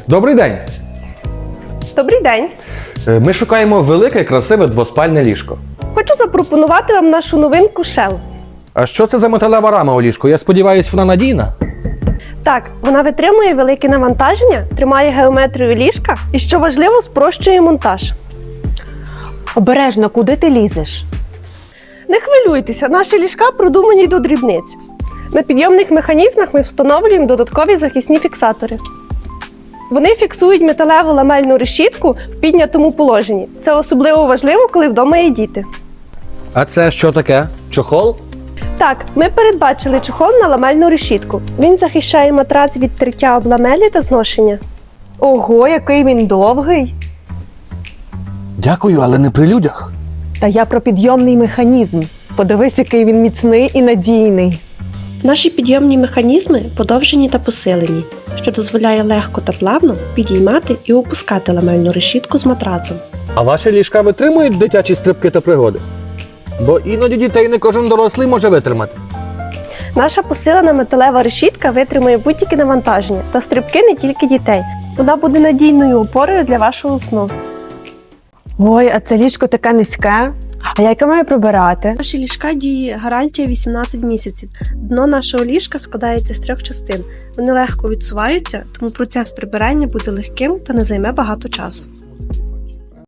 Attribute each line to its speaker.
Speaker 1: Добрий день!
Speaker 2: Добрий день!
Speaker 1: Ми шукаємо велике, красиве двоспальне ліжко.
Speaker 2: Хочу запропонувати вам нашу новинку Shell.
Speaker 1: А що це за металева рама у ліжку? Я сподіваюся, вона надійна?
Speaker 2: Так, вона витримує велике навантаження, тримає геометрію ліжка і, що важливо, спрощує монтаж.
Speaker 3: Обережно, куди ти лізеш?
Speaker 2: Не хвилюйтеся, наші ліжка продумані до дрібниць. На підйомних механізмах ми встановлюємо додаткові захисні фіксатори. Вони фіксують металеву ламельну решітку в піднятому положенні. Це особливо важливо, коли вдома є діти.
Speaker 1: А це що таке? Чохол?
Speaker 2: Так, ми передбачили чохол на ламельну решітку. Він захищає матрац від тертя об ламелі та зношення.
Speaker 3: Ого, який він довгий!
Speaker 1: Дякую, але не при людях.
Speaker 3: Та я про підйомний механізм. Подивись, який він міцний і надійний.
Speaker 2: Наші підйомні механізми подовжені та посилені, що дозволяє легко та плавно підіймати і опускати ламельну решітку з матрацом.
Speaker 1: А ваші ліжка витримують дитячі стрибки та пригоди? Бо іноді дітей не кожен дорослий може витримати.
Speaker 2: Наша посилена металева решітка витримує будь-які навантаження та стрибки не тільки дітей. Вона буде надійною опорою для вашого сну.
Speaker 3: Ой, а це ліжко таке низьке. А як я маю прибирати?
Speaker 2: Наші ліжка діє гарантія 18 місяців. Дно нашого ліжка складається з 3 частин. Вони легко відсуваються, тому процес прибирання буде легким та не займе багато часу.